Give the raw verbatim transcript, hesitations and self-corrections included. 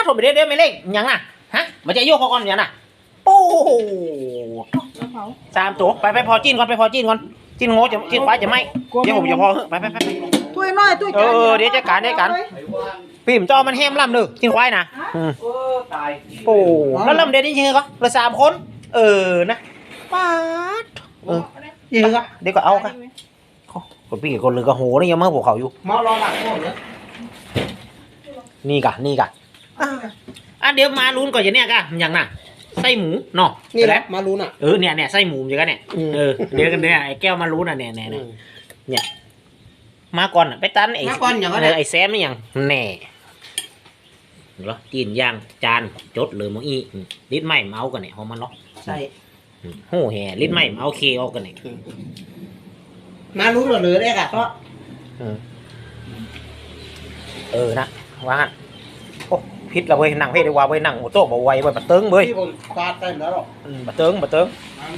มไปเด้อเด้อไม่เล่งยังน่ะฮะมันจะโยกเขาก่อนอย่างน่ะโอ้โหสามตัวไปไปพอจิ้นก่อนไปพอจิ้นก่อนจิ้นโง่จะจิ้นควายจะไม่เดี๋ยวผมจะพอไปไปไปไปถ้วยน้อยถ้วยเออเดี๋ยวจะการได้กันพี่ผมจอมันแฮมล่ำเด้อจิ้นควายนะอืมเออตายโอ้แล้วลำเด่นนี่ยังไงก็เหลือสามคนเออนะป๊าดเออยังไงก็เดี๋ยวก็เอาค่ะคนพี่กับคนลือก็โหนี่ยังมาพวกเขาอยู่มารอหลังหมดเลยนี่กะนี่กะอ่ะเดี๋ยวมาลุ้นก่อนอย่างเนี้ยกะอย่างน่ะไส้หมูเนาะนี่แหละมารู้น่ะเออเนี่ยเนี่ยไส้หมูอย่างกันเนี่ยเออเดี๋ยวกันเนี่ยไอ้แก้วมาลุ้นอ่ะเนี่ยเนี่ยเนี่ยมาก่อนไปตันไอ้มาก่อนอย่างนั้นไอ้แซมนี่อย่างแน่เหรอจีนย่างจานจดเลยมั้งอีลิ้นไหม้เมากันเนี่ยของมันเนาะใช่โอ้แห่ลิ้นไหม้เมาเคออกกันเนี่ยมารู้เหลือได้ค่ะเพราะเออนะว่าโอ้พิษละเว้ยนั่งเพ่ได้ว่าเว้ยนั่งโอ้โต๊ะบ่ไหวเว้ยบะเติงเว้ยที่ผมฟาดได้แล้วหรอกบะเติงบะเติง